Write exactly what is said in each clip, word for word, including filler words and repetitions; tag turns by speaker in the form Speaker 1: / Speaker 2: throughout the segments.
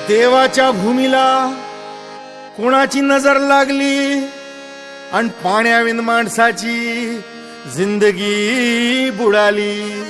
Speaker 1: देवाच्या भूमीला कोणाची नजर लागली आणि पाण्याविन माणसाची जिंदगी बुडाली.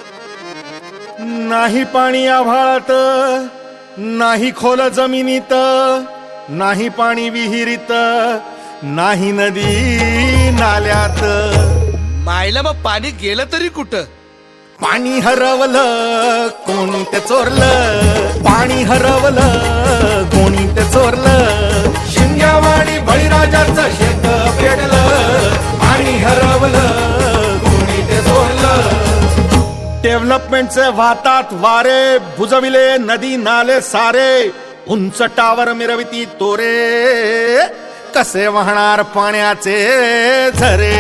Speaker 1: नाही पाणी आभाळात, नाही खोल जमिनीत, नाही पाणी विहिरीत, नाही नदी नाल्यात.
Speaker 2: मायला मग पाणी गेलं तरी कुठं?
Speaker 1: पाणी हरवलं कोणी ते चोरलं, पाणी हरवलं कोणी ते चोरलं. शिंग्यावाणी बळीराजाचं शेत पेटलं, पाणी हरवलं कोणी ते चोरलं. डेव्हलपमेंटचे वाहतात वारे, बुजविले नदी नाले सारे, उंच टावर मिरविती तोरे, कसे वाहणार पाण्याचे झरे.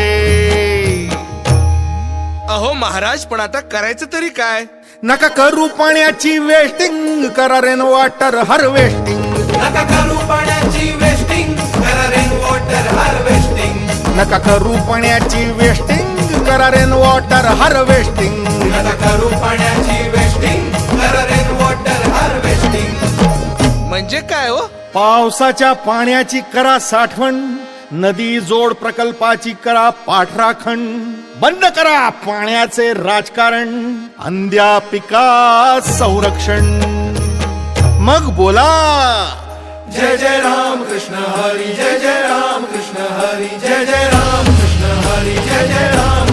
Speaker 2: अहो महाराज, पण आता करायचं तरी काय?
Speaker 1: नका करू पाण्याची वेस्टिंग, करा रेन वॉटर हार्वेस्टिंग.
Speaker 3: नका करू पाण्याची वेस्टिंग, करा रेन वॉटर हार्वेस्टिंग.
Speaker 1: नका करू पाण्याची वेस्टिंग, करा रेन वॉटर हार्वेस्टिंग.
Speaker 3: नका करू पाण्याची वेस्टिंग, करा रेन वॉटर हार्वेस्टिंग.
Speaker 2: म्हणजे काय हो?
Speaker 1: पावसाच्या पाण्याची करा साठवण, नदी जोड प्रकल्पाची करा पाठराखण. बंद करा पाण्याचे राजकारण, अंध्या पिका संरक्षण. मग बोला
Speaker 3: जय जय राम कृष्ण हरी, जय जय राम कृष्ण हरी, जय जय राम कृष्ण हरी, जय जय राम